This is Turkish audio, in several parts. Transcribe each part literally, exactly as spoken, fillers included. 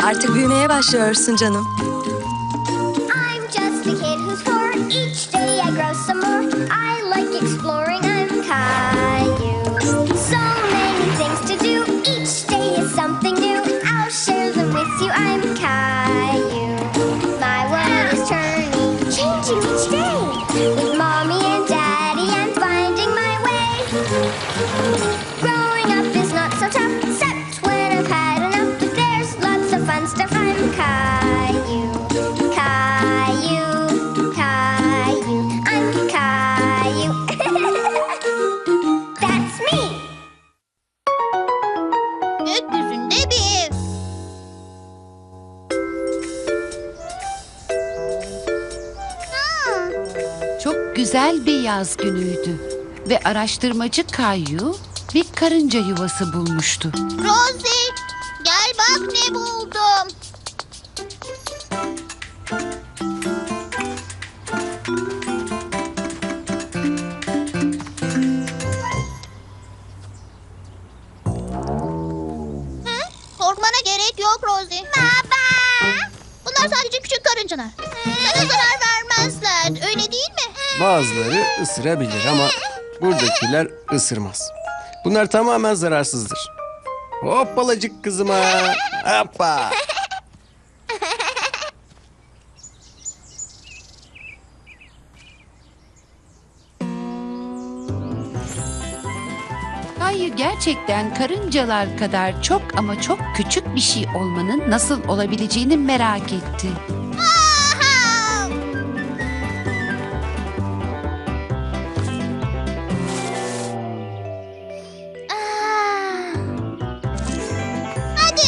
Artık büyümeye başlıyorsun canım. I'm just a kid who's four. Each day I grow some more. I like exploring. I'm Caillou. So many things to do. Each day is something new. I'll share them with you. I'm Caillou. My world is turning, changing each day. With mommy and daddy, I'm finding my way. Growing up is not so tough, except when I've had enough. But there's lots of fun stuff. I'm Caillou, Caillou, Caillou. I'm Caillou. That's me. Gökyüzünde bir ev. Çok güzel bir yaz günüydü ve araştırmacı Caillou bir karınca yuvası bulmuştu. Rosie, gel bak ne buldum. Hı? Korkmana gerek yok Rosie. Baba. Bunlar sadece küçük karıncalar. Sana zarar vermezler, öyle değil mi? Bazıları ısırabilir ama buradakiler ısırmaz. Bunlar tamamen zararsızdır. Hoppalacık kızıma. Hoppa. Caillou gerçekten karıncalar kadar çok ama çok küçük bir şey olmanın nasıl olabileceğini merak etti. Aha! Aa! Hadi.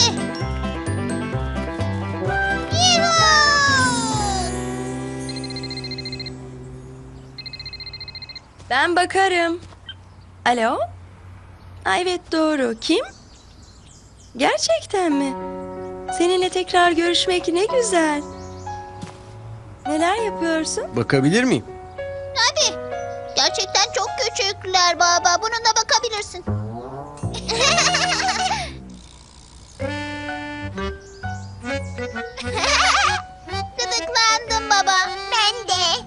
Yuhuu! Ben bakarım. Alo? Ay, evet doğru. Kim? Gerçekten mi? Seninle tekrar görüşmek ne güzel. Neler yapıyorsun? Bakabilir miyim? Tabii. Gerçekten çok küçükler baba. Bununla bakabilirsin. Gıdıklandım baba. Ben de.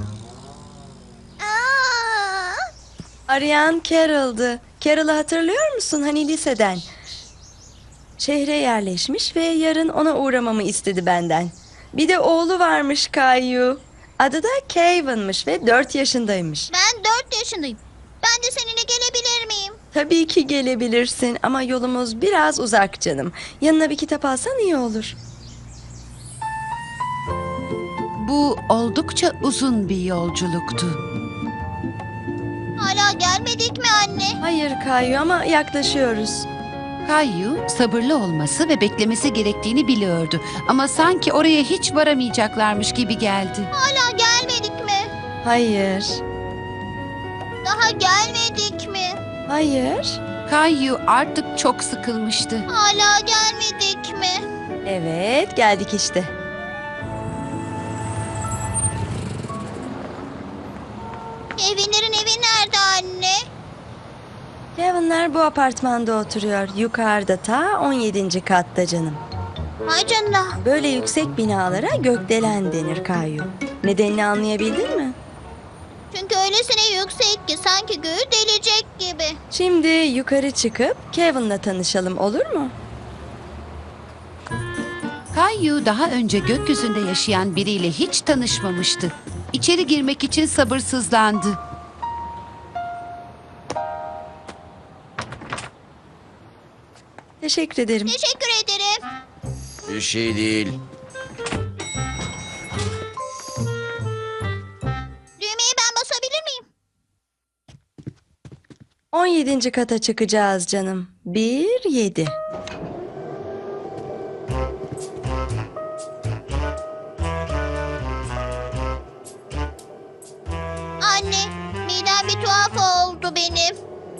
Aa! Arayan Carol'dı. Carol'ı hatırlıyor musun? Hani liseden. Şehre yerleşmiş ve yarın ona uğramamı istedi benden. Bir de oğlu varmış Caillou. Adı da Kevin'miş ve dört yaşındaymış. Ben dört yaşındayım. Ben de seninle gelebilir miyim? Tabii ki gelebilirsin ama yolumuz biraz uzak canım. Yanına bir kitap alsan iyi olur. Bu oldukça uzun bir yolculuktu. Hala gelmedik mi anne? Hayır Caillou ama yaklaşıyoruz. Caillou sabırlı olması ve beklemesi gerektiğini biliyordu. Ama sanki oraya hiç varamayacaklarmış gibi geldi. Hala gelmedik mi? Hayır. Daha gelmedik mi? Hayır. Caillou artık çok sıkılmıştı. Hala gelmedik mi? Evet, geldik işte. Kevinlerin evi nerede anne? Kevin'ler bu apartmanda oturuyor. Yukarıda ta on yedinci katta canım. Ay canına. Böyle yüksek binalara gökdelen denir Caillou. Nedenini anlayabildin mi? Çünkü öylesine yüksek ki sanki göğü delecek gibi. Şimdi yukarı çıkıp Kevin'la tanışalım, olur mu? Caillou daha önce gökyüzünde yaşayan biriyle hiç tanışmamıştı. İçeri girmek için sabırsızlandı. Teşekkür ederim. Teşekkür ederim. Bir şey değil. Düğmeye ben basabilir miyim? on yedinci kata çıkacağız canım. Bir, yedi. Anne, midem bir tuhaf oldu benim.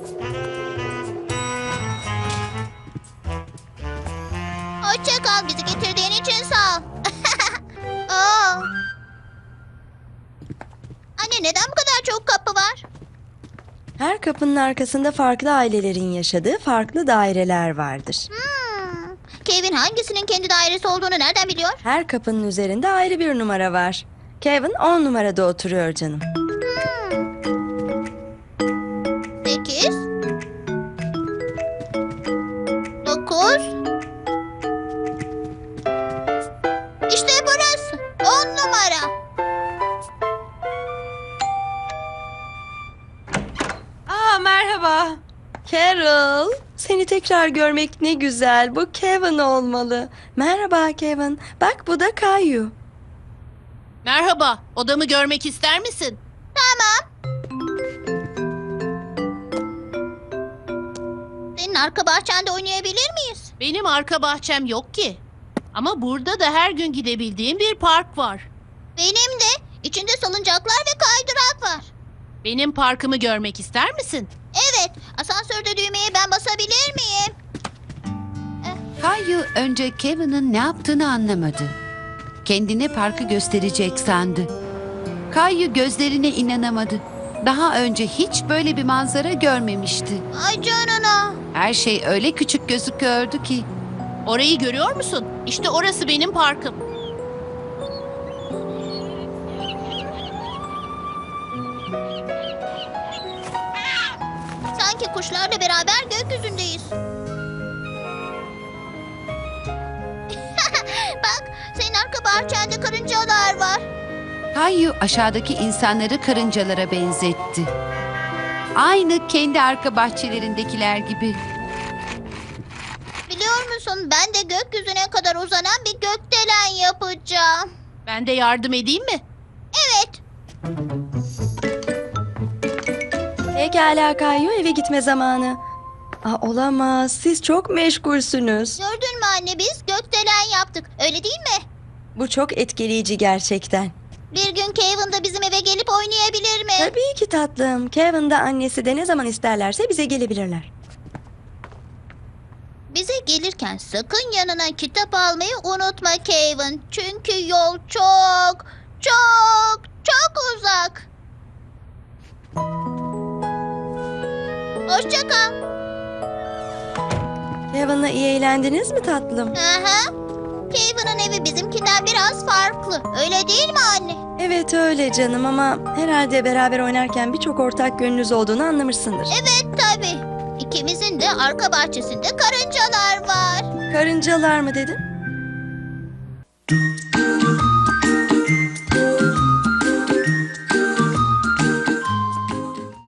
Hoşça kal, bizi getirdiğin için sağ ol. Aa. Anne, neden bu kadar çok kapı var? Her kapının arkasında farklı ailelerin yaşadığı farklı daireler vardır. Hmm. Kevin hangisinin kendi dairesi olduğunu nereden biliyor? Her kapının üzerinde ayrı bir numara var. Kevin on numarada oturuyor canım. Sekiz. Dokuz. İşte burası. On numara. Aa, merhaba. Carol, seni tekrar görmek ne güzel. Bu Kevin olmalı. Merhaba Kevin. Bak bu da Kayu. Merhaba, odamı görmek ister misin? Tamam. Senin arka bahçende oynayabilir miyiz? Benim arka bahçem yok ki. Ama burada da her gün gidebildiğim bir park var. Benim de. İçinde salıncaklar ve kaydırak var. Benim parkımı görmek ister misin? Evet. Asansörde düğmeye ben basabilir miyim? Kayu önce Kevin'in ne yaptığını anlamadı. Kendine parkı gösterecek sandı. Kayu gözlerine inanamadı. Daha önce hiç böyle bir manzara görmemişti. Ay canına. Her şey öyle küçük gözüküyordu ki. Orayı görüyor musun? İşte orası benim parkım. Sanki kuşlarla beraber gökyüzündeyiz. Bak, senin arka bahçende karıncalar var. Kayu aşağıdaki insanları karıncalara benzetti. Aynı kendi arka bahçelerindekiler gibi. Biliyor musun, ben de gökyüzüne kadar uzanan bir gökdelen yapacağım. Ben de yardım edeyim mi? Evet. Pekala Kayu, eve gitme zamanı. Aa, olamaz. Siz çok meşgulsünüz. Gördün mü anne, biz gökdelen yaptık. Öyle değil mi? Bu çok etkileyici gerçekten. Bir gün Kevin de bizim eve gelip oynayabilir mi? Tabii ki tatlım. Kevin de annesi de ne zaman isterlerse bize gelebilirler. Bize gelirken sakın yanına kitap almayı unutma Kevin. Çünkü yol çok, çok, çok uzak. Hoşça kal. Kevin'la iyi eğlendiniz mi tatlım? Aha. Kevin'in evi bizimkinden biraz farklı. Öyle değil mi anne? Evet öyle canım, ama herhalde beraber oynarken birçok ortak yönünüz olduğunu anlamışsındır. Evet tabii. İkimizin de arka bahçesinde karıncalar var. Karıncalar mı dedin?